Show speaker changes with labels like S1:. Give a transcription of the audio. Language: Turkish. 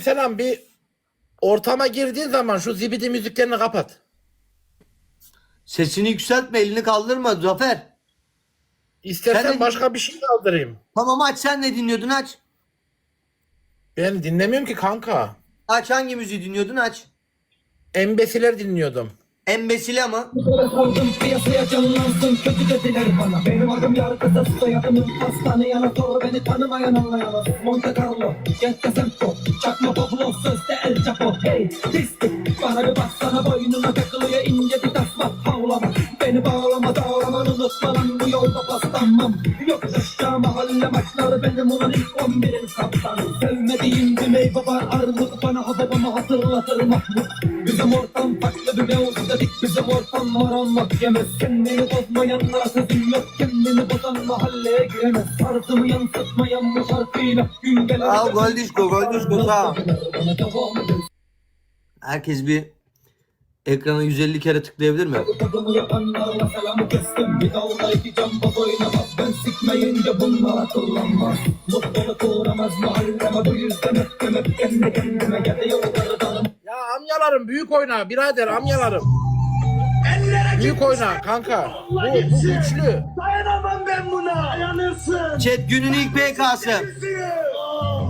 S1: Aleykümselam, bir ortama girdiğin zaman şu zibidi müziklerini kapat.
S2: Sesini yükseltme, elini kaldırma Zafer.
S1: İstersen
S2: Sen de-
S1: başka bir şey kaldırayım.
S2: Tamam aç, sen ne dinliyordun, aç.
S1: Ben dinlemiyorum ki kanka.
S2: Aç, hangi müziği dinliyordun, aç.
S1: Embesiler dinliyordum.
S2: Embesile ama.
S3: Koydum piyasaya canlansın, kötü dediler bana. Benim adım yargıda, soyadım hastane yana sor, beni tanımayan anlayamaz. Monte Carlo, Gente Santo, çakma Pablo, sözde El Chapo. Hey pislik, bana bir baksana, boynuna takılıyor ince bir tasma. Havlama, beni bağlama, dağlaman unutma lan, bu yolda paslanmam. Yok aşağı mahalle maçları, benim olan ilk 11'in kaptanı. Sevmediğim bir meyve var, armut, bana babamı hatırlatır Mahmut. Bizim ortam farklı bir mevzu dedik, bizim ortam var anlat yemez. Kendini bozmayanlara sözüm yok, kendini bozan mahalleye giremez. Tarzımı yansıtmayan bu şarkıyla gün gelir.
S2: Al gol disco, gol disco, tamam. Herkes bir ekrana 150 kere tıklayabilir mi?
S3: Tadımı yapanlarla selamı kestim. Bir dalda iki camba oynamaz. Ben sikmeyince bunlar akıllanmaz. Mutluluk uğramaz mahalleme, bu yüzden öptüm hep kendi kendime. Ya da yolları dalım.
S1: Ya amyalarım büyük oyna birader, amyalarım. Büyük oyna kanka. Bu güçlü.
S4: Dayanamam ben buna. Dayanırsın.
S2: Chat, günün ilk PK'sı.